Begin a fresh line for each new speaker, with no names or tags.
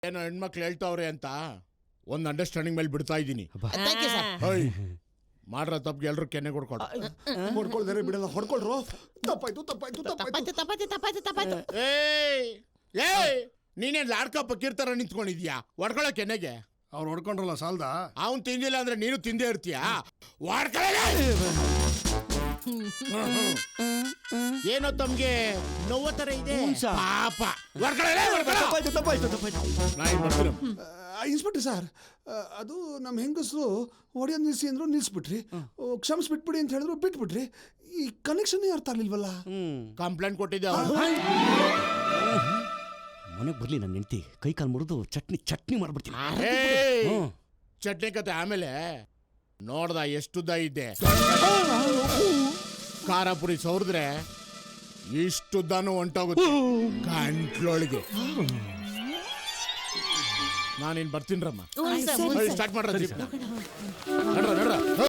ಏನೋ ಹೆಣ್ಮಕ್ಳು ಹೇಳ್ತಾವ್ರೆ ಅಂತ ಒಂದು ಅಂಡರ್ಸ್ಟ್ಯಾಂಡಿಂಗ್ ಮೇಲೆ ಬಿಡ್ತಾ ಇದ್ದೀನಿ. ಮಾಡ್ರ ತಪ್ಪಿಗೆ ಎಲ್ರು ಕೆನ್ನೆ ಕೊಡ್ಕೊಡು.
ಹೊಡ್ಕೊಳ್ದಾರೆ ಬಿಡಲ್ಲ, ಹೊಡ್ಕೊಳ್ರು. ತಪ್ಪಾಯ್ತು.
ಏಯ್ ನೀನೇನ್ ಲಾಡ್ಕ ಪಕ್ಕಿರ್ತಾರ ನಿಂತ್ಕೊಂಡಿದ್ಯಾ ಹೊಡ್ಕೊಳ ಕೆನ್ನೆಗೆ?
ಅವ್ರು ಹೊಡ್ಕೊಂಡ್ರಲ್ಲ ಸಾಲ್ದ.
ಅವನ್ ತಿಂದಿಲ್ಲ ಅಂದ್ರೆ ನೀನು ತಿಂದೇ ಇರ್ತೀಯಾ? ಏನೋ ತಮ್ಗೆ ನೋವ ತರ ಇದೆ ಪಾಪ.
ಇನ್ಸ್ಪೆಕ್ಟರ್ ಸರ್, ಅದು ನಮ್ಮ ಹೆಂಗಸರು ಹೊಡೆಯೋದು ನಿಲ್ಸಿ ಅಂದ್ರು ನಿಲ್ಸ್ಬಿಟ್ರಿ, ಕ್ಷಮಿಸ್ಬಿಟ್ಬಿಡಿ ಅಂತ ಹೇಳಿದ್ರು ಬಿಟ್ಬಿಟ್ರಿ. ಈ ಕನೆಕ್ಷನ್ ಅರ್ಥ ಆಗ್ಲಿಲ್ವಲ್ಲ.
ಕಂಪ್ಲೇಂಟ್ ಕೊಟ್ಟಿದ್ದೆ.
ಮನೆಗೆ ಬರ್ಲಿ ನನ್ನ ಹೆಂಡತಿ ಕೈ ಕಾಲು ಮುರಿದು ಚಟ್ನಿ ಮಾಡ್ಬಿಡ್ತೀನಿ.
ಚಟ್ನಿ ಕತೆ ಆಮೇಲೆ ನೋಡ್ದ ಎಷ್ಟುದ್ದ ಇದ್ದೆ. ಖಾರ ಪುರಿ ಸೌರಿದ್ರೆ ಇಷ್ಟುದ್ದಾನು ಹೊಂಟೋಗುತ್ತೆ ಗಂಟ್ಲೊಳಗೆ. ನಾನಿನ್ ಬರ್ತೀನ್ರಮ್ಮ. ಸ್ಟಾರ್ಟ್ ಮಾಡ್ರ.